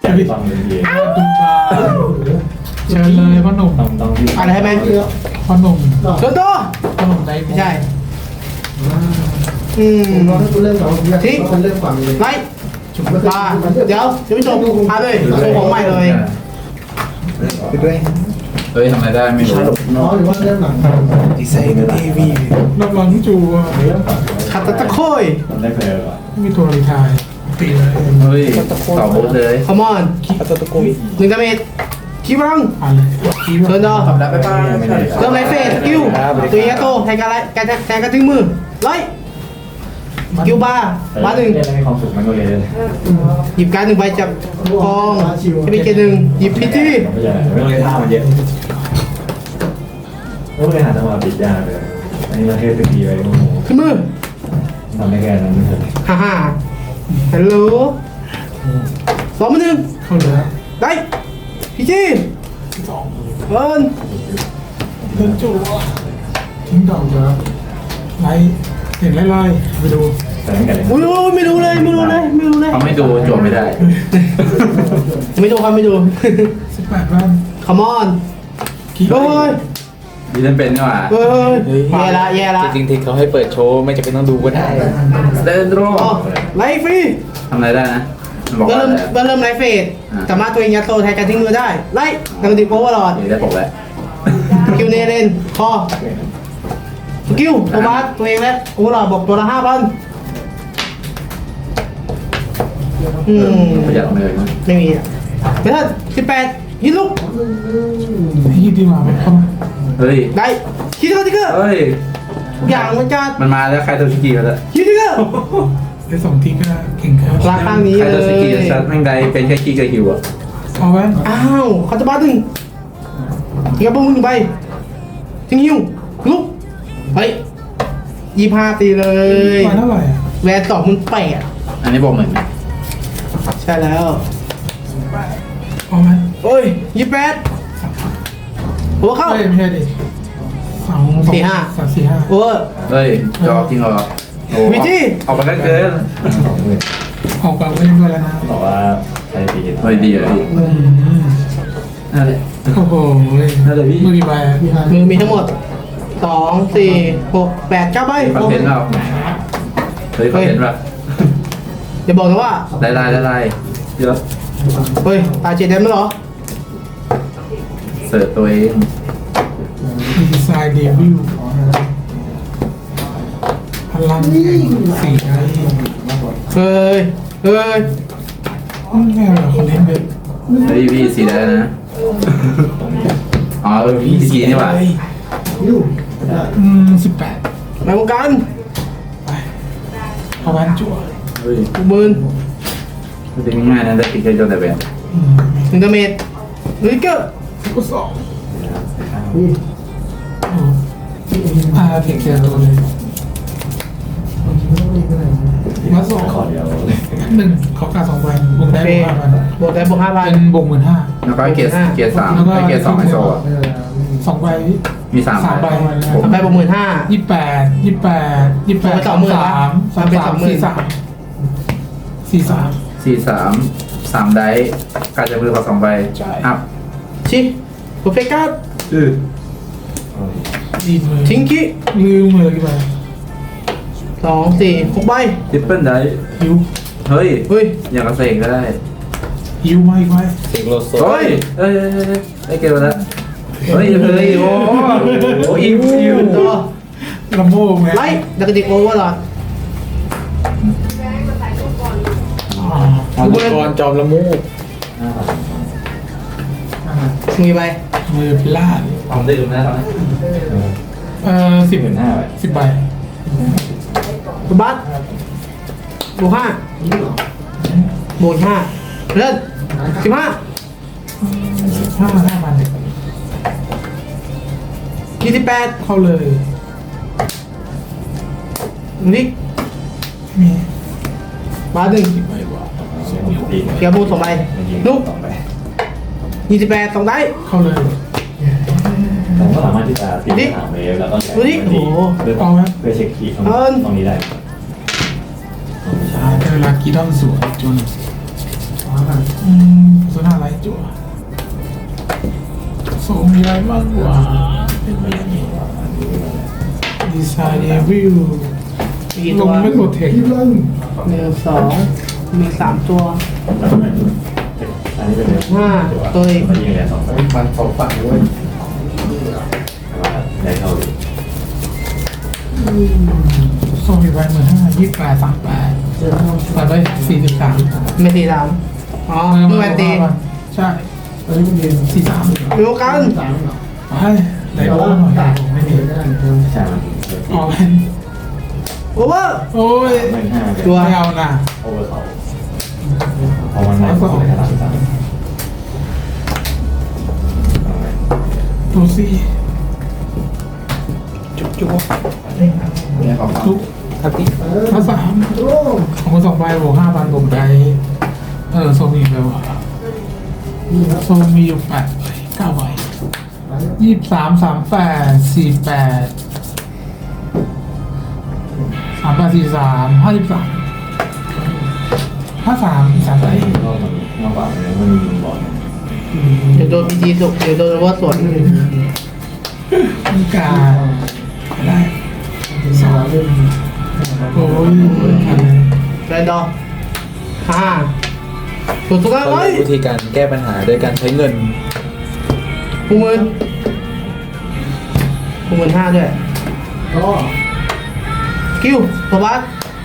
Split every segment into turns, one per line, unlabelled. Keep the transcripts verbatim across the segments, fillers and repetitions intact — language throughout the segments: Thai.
จะไปฟังเลยดีตุ้มตาเชิญเลยพ่อหนุ่ม
ต้องต้อง
อะไรให้ไหม
พ่อหนุ่ม
โดนตัว
พ่อหนุ่มได้
ไม่ใช่อืม
เราถ้าคุณเล่นเราทิ้งคนเล่นฝั่งเลย
ไล่มาเดี๋ยวเดี๋ยวไม่จบพาเลยโชว์ของใหม่เลย
ไปด้วย
เฮ้ยทำอะไรได้ไม่รู้
น้องหรือว่าเล่นหนัง
ดีไซน์ทีวี
นักร้องจูอ่ะ
ขัดตะตะโคย
ทำได้เพลย์อ่ะ
มีตัวรีทายตีเลย
เฮ้ยต่อบูธเลย
คอมอน
อัตตะกุย
หนึ่งดาเมจคิวรัง
อ่านเลยคีบ
เดินดอ
ทำได้ไปบ้าง
เริ่มไลฟ์เฟสคิวตัวยัตโตแทงกันไรแทงแทงกันถึงมือไล่คิวบาร์บาร์หนึ่ง
เล่นให้ความสุขมันก็เลย
หยิบการ์ดหนึ่งใบจากกองจะมีเกณฑ์หนึ่งหยิบพิธี
ไม่ใช่ไม่ต้องเล่นท่ามันเยอะไม่ต้องเล่นหาจังหวะปิดยากเลยอันนี้เราเทสตีไปโอ้โห
ขึ้นมือ
ทำได้แค่นั้นเถอะ
ฮ่าฮ่าฮัลโหลสองมือหนึ่ง
เข้าเลย
ได้พิธี
สอง
เอิญ
เดินจูทิ้งดอกเดี๋ยวไล่เห็นไล่ไล่ไปดู
แต่ไม่กันเลย
ไม่รู้ไม่รู้เลยไม่รู้เลยไม่รู้เลย
เขาไม่ดูจวบไม่ได้
ไม่ดูครับไม่ดู
สิบแปดบ้าน
คอมอน
คีบ
เฮ้ย
ดีเล่นเป็นนี่หว่า
เฮ้ยแย่ละแย่ละ
จริงๆที่เขาให้เปิดโชว์ไม่จำเป็นต้องดูก็ได้
เดินรอ
อ๋อไลฟ์ฟรี
ทำอะไรได้นะมันบอก
เริ่
ว่าม อะไร
เริ่มเริ่มไลฟ์เฟสสามารถตัวเองยัดโตแทนการทิ้งมือได้ไล่ดังติโพวอร์ลอด
เดี๋ยวได้ปกแล้ว
คิวเนเรนคอสกิลโทมัสตัวเองแล้วโอเวอร์ลอดบอกตัวละห้าพันอืม
ประหยัดเลยนะ
ไม่มีอ่ะเพื่อนสิบแปดยิงลูก
ยี่ดีมาไหมเข้ามา
เฮ้ย
ได้คิดว่าทิกเกอร์
เฮ้ย
ทุกอย่างมันจะ
มันมาแล้วใครตัวชิกิมาแล้ว
คิดทิกเกอร์
ได้สองทีก็เก่งครับ
ราคานี้
ใคร
เล
ตัวชิกิ
ย
ชัดแม่งใดเป็นแค่ขี้กับหิวอ่ะ
เอาแว่น
อ้าวเขาจะบ้าดึงทิ้งกระปุกหนึ่งใบทิ้งหิ้วลุกไปยี่ห้าตีเลย
มาเท่าไหร่อ่ะ
แวนสองมันแปด
อันนี้บอกเหมือน
ใช่แล้ว
เอาแว่น
โอ้ยยี่แปดหัวเข้า
ไม่ไม่ใช่ดิสอง
สี่ห้า
สามสี่ห้า
โอเวอร์
เฮ้ยจอจริงเหรอโอ้
วิธี
ออกไปกันเกิน
สองหมื่น
ออกกลางไม่ด้วยแล้วนะ
บอกว่าใช้ตี
เฮ้ยดีเลยพี่
อืม
นั่นแหละ
โอ้โห
นั่นแหละพี่
มือกี่ใบอ่ะ
มือมีทั้งหมดสองสี่หกแปดเก้าใบ
คอนเทนต์เราเฮ้ยคอนเทนต์แบบ
อย่าบอกนะว่า
ได้ไล่ได้ไล่เยอะ
เฮ้ยตาเจ็ดเดมแล้วเหรอ
เสิร์ฟตัวเอง
ดีไซน์เดบิวต์พลังแห่งสี่ไง
เฮ้ยเฮ้ย
ไม่เอาหรอคอนเทนต์เว็บ
เฮ้ยพี่สีได้นะอ๋อเออพี่สีนี่หว่า
ยู
อืมสิบแปด
มาวงการ
ไปเอาแว่นจั่ว
เฮ้ย
หกหมื่น
มันเป็นง่ายนะได้ติดแค่โจนแต่แบบ
อืม
หนึ่งดาเมจลิกเกอร์
ก็สองอ๋ออ่าเทคเจอร์ตัวเลยมาสอง
ขอเดียว
หนึ่งขอกาสองใบบวกได้
เฟ
บวกห้าพัน
บวกได้บวกห้าพัน
เป็นบวกหมื่นห้า
แล้วก็เกียร์เกียร์สามไอเกียร์สองไอโซอ่ะ
สองใบ
มีสาม
สามใบ
ผม
ทำไปบวกหมื่นห้า
ยี่แปดยี่แปดยี่แปด
สองหมื่น
สามสาม
เป็น
สา
สอ
ม
งหมื่น
สี่สามสี่สาม
สี่สามสามได้การจะมือขอสองใบ
ใช่
อัพ
ชิโปรเฟกัส
อือ
ดีมือ
ทิงกี้
ลืมมือกี่ใบ
สองสี่หกใบ
ทริปเปิลได้
หิว
เฮ้ย
เฮ้ย
อย่างกระเซงก็ได้
หิวมาอีกไหม
เสียงโลโซ
เฮ้ยเอ้ยไอเกมแล้วเฮ้ยเฮ้ยโอ้โหอิวอิว
ตัว
ลำโพงไง
ไลท์ดักติโอเวอร์ลอด
อ๋อ
มังกรจอมละมูก
มีใบ
มือพิลาด
ทำได้ดูนะตอนนี้
เอ่อสิบ
หมื่นห้าไป
สิบใบ
บัสบวกห้าบวกห้าเริ่มสิบห้า
ห้าห้าพัน
ยี่สิบแปด
เข้าเลย
นิก
มี
บาสหนึ่ง
ใบวะ
ตี
เกียร์บูสองใบลูก
สองไป
ยี่สิบแปดสองได้
เข้าเลย
ผมก็สามารถที่จะตีถามเวฟแล้วก็เพื่อ
เอาไหม
เพื่อเช็คคีย์ตรงนี้ได้
ใช่เป็นเวลากีดอนสวนจนอ๋ออืมสุนาไรจั่วโซมีอะไรบ้างวะเป็นไปยังไงดีไซน์เดวิล
มี
ล
ตัว
งไม่กดเทค
ที่เล่น
หนึ่งสองมีสามตัว
อันนี้เป็น
ห้าตัวเอง
มันยิงแรงสองตัว
มันสองฝั่งด้วย
ได้เท่าอยู่
โซมีใบมือห้ายี่สิบแปดสามแปดตัดไปสี่สิบสาม
ไม่ตีดำอ๋อเมื่อวันตี
ใช่
ตอนนี้มันเรียน
สี่สาม
ดูกัน
สามเหรอ
ให้ได้โอ้หน่อยผมไม่มี
ได้
ใช่มัน
อ๋อเป็น
โอเวอร์
โอ้ย
หนึ่งห้า
ตัวไม่เอานะ
โอเวอร์เขาพอมันไม่ก็ขนาดนั้น
ตัวสี่
จุ๊บจุ๊บ
เนี่ยของ
ทุก
ครับพี่
ถ้าสาม
โอ้
ของคนสองใบบวกห้าพันผมได้เออโซมีไปวะ
นี่ครับ
โซมีอยู่แปดใบเก้าใบยี่สิบสามสามแปดสี่แปดสามแปดสี่สามห้าสิบสามห้าสามสามใบ
ก็มันมากกว่ามันมีบอล
เดี๋ยวโดนพีจีสุกเดี๋ยวโดนว่าสวน
มีการได้
สามเล่น
โอ้ย
แรนดอร์ห้าถูกสุดแล้ว
เขา
ไว้
เรียกวิธีการแก้ปัญหาโดยการใช้เงิน
หกหมื่นหกหมื่นห้าด้วย
ก็
คิวตัวบัส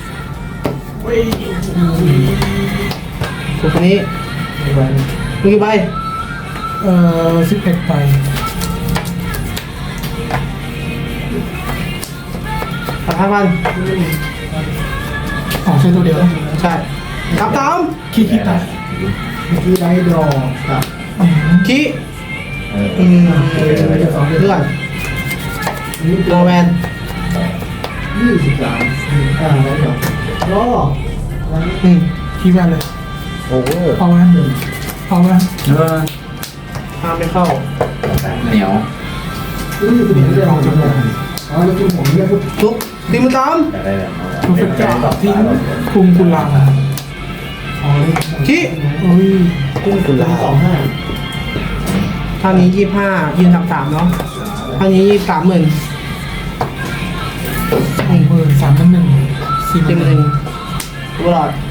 ถูกคนนี้มีกี่ใบ
เอ่อสิบเอ็ดใบ
พันห้าพัน
ของใช้ตัวเดียวนะ
ใช่ตามตาม
ขี้ขี้ตาย
ที่ได้ดอกกับ
อืม
คี
เออ
อืมเพื่อน
นี่
รอแวน
ยี่สิบสามอ่าแล้วเดี๋ยวก็
อืม
ขี้แว่นเลย
โอเวอร์
เอาแว่นเอาแว่น
เออ
ห้ามไม่เข้า
เหนียว
นี่คือเรื่องของจำนวนอ๋อแล้วคือผมเนี่ยพูด
ทุกตีมือตาม
อยากได้แบบ
ทุกเป็นเจ้าทิ้งคุมกุลา
อ๋อนี่
คี
โอ้ย
กุ้งกุลา
สองห้า
ท่านี้ยี่ห้ายืนสามสามเนาะท่านี้ยี่สามหมื่น
หกหมื่นสามพันหนึ่งสี่ห
สิ
มื่
บ
น
หนึ่งตลอด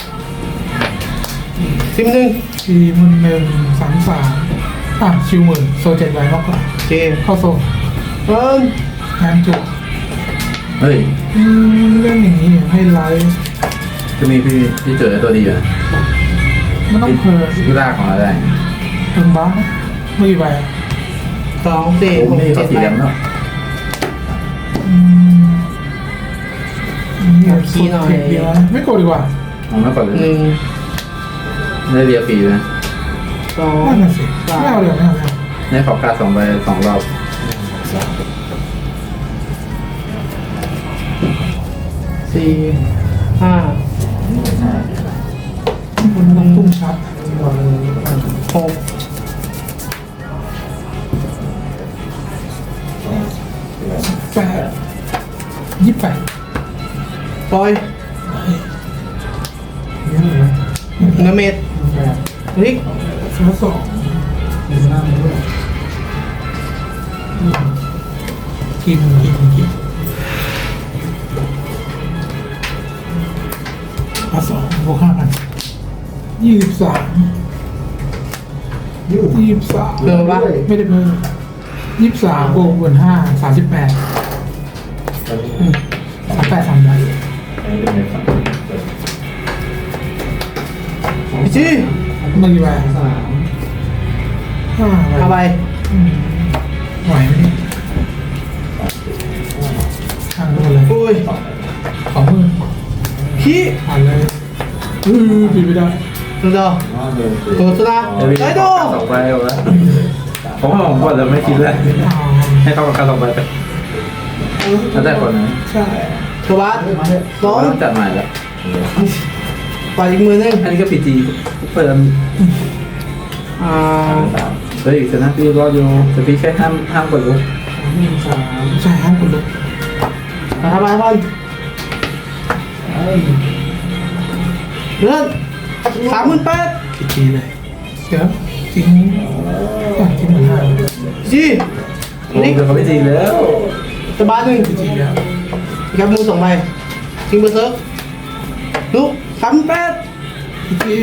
สิบหนึ่ง
สี่หมื่นหนึ่งสามสามอ่ะชิวหมื่นโซเจ็ดใบมากกว่า
โอเค
เข้าโซ
เอิน
งานจุก
เฮ้ย
อืมเรื่องอย่างนี้ให้ไลฟ์
จะมีพี่พี่เจอตัวดีอยู่นะ
ไม่ต้องเพลิน
พี่ลากของอะไร
เพิ่งบ้าไม่กี่ใบอ่ะ
สองสี่
โอ้
หก
นี่เขา
เจ็ด
สี
แป
แด
ด
งเนาะ
อืมนี่ขี้หน่อยเดียวนะไม่โกรธดีกว่า
มองไม่ก่อนเลย
หนึ่ง
ไม่ได้เรียฟรีนะ
สอง
นั่นน่ะสิไม่เอาเดี๋ยวไม่เอาเดี๋ยว
ในขอบการสองใบสองรอบ
สี่ห้า
คุณต้องพุ่งชัด
หก
แปดยี่สิบแปด
ปล่อย
นี่เหรอ
เนื้อเม็ด
แบบ
ริก
สองสอง
มีหน้ามันด้วย
กินกินกินมาสองบวกห้าพันยี่สิบสาม
ยิ้ว
ยี่สิบสาม
เพิ่มปะ
ไม่ได้เพิ่มยี่สิบสามบวกบนห้าสามสิบแปดสามแปดสามใบ
พี่จี
ไม่กี่ใบ
สาม
ห้า
เอา
ใบ
ไป
อืมไหวไหมเนี่ยทางโดนเลย
อุ้ย
สองหมื่น
ขี้
ผ่านเลยอือปิดไม่ได้
ดูดอตัวสุดละ
เดี๋ยวพี่
ได้
ข
ดู
อบการสองใบเอาละผมว่าผมว่าจะไม่คิดเลย
อ๋อ
ให้เขากับการสองใบไปแล้วแต่คนนะ
ใช่
ตัวบัสสอง
ต้องจัดใหม่แล้ว
ปล่อยอีกมือหนึง
อันนี้ก็พีจีเปิด
อ่า
เฮ้ยชนะพี่รออยู่แต่พี่แค่ห้ามห้ามกดลุก
หนึ่งสาม
ใช่ห้ามกดลุก
ทำไมพัน
ไอ้
เลื่อน
อ
สามหมื่นแปด
กี่ทีเลยเดี๋ยวทิ้งอ่ะทิ้งเหมือนห้า
จี
โอ้
นี่
เดี๋ยวเขาไม่จริงแล้ว
สบายหนึ่ง
กี่ทีแล้ว
กับมือสองใบทิ้งเบอร์เซิร์ฟลุกสามหมื่นแปด
กี่ที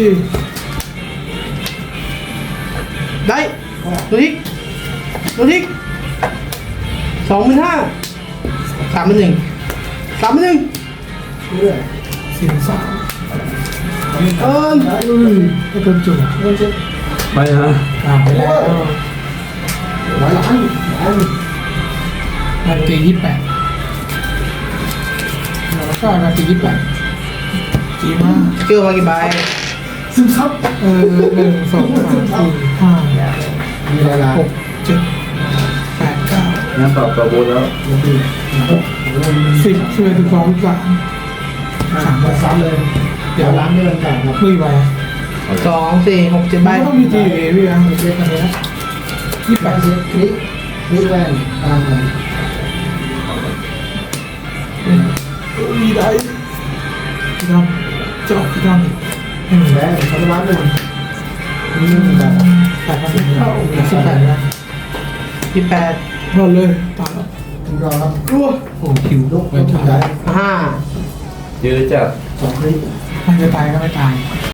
ได้ดูทิกดูทิกสองหมื่นห้าสามหมื่นหนึ่งสามหมื่นหนึ่ง
สี่หมื่นสาม
เอิม
อุ้ยไอ้คนจุ่ม
ไปนะ
ตามไปแล้ว
หลายล้านหลาย
นาทียี่สิบแปดแล้วก็นาทียี่สิบแปดจีมาก
เกี่ยวมากี่ใบ
ซึมซับ
เออหนึ่งสองสามสี่ห้า
มีหลายล้าน
หกเจ็ดแปดเก้า
งั้นตอบตัวบูธแล้ว
สิบสิบเอ็ดสิบสองสิบสามสามใบ
ซ้ำเลยเดี๋ยวล้านไม่เป็นต่างครับ
ไม่ใบ
สองสี่หกเจ็ดใบ
ไม่ต้องมีจีเอพี่นะ
เช็คกันเลยนะ
ยี่สิบ
แป
แป
ด
ด
เช็คคลิกคลิกแวนตามกัน
มีได้พี่ดำเจาะพี่ดำหนึ่ง
แบงค์พันล้านหนึ่งนี่หนึ่งแบบ
แปดพันสิบเก้าสิบแปดนะ
ยี่แปด
พอเลยตายแล้ว
คุณรอครับ
รัวโอ้คิว
ลูก
ไม่
ลูก
ตา
ใหญ่
ย
ห้า
ยื้อจัด
สองคลิก
มันจะตายก็ไม่ตาย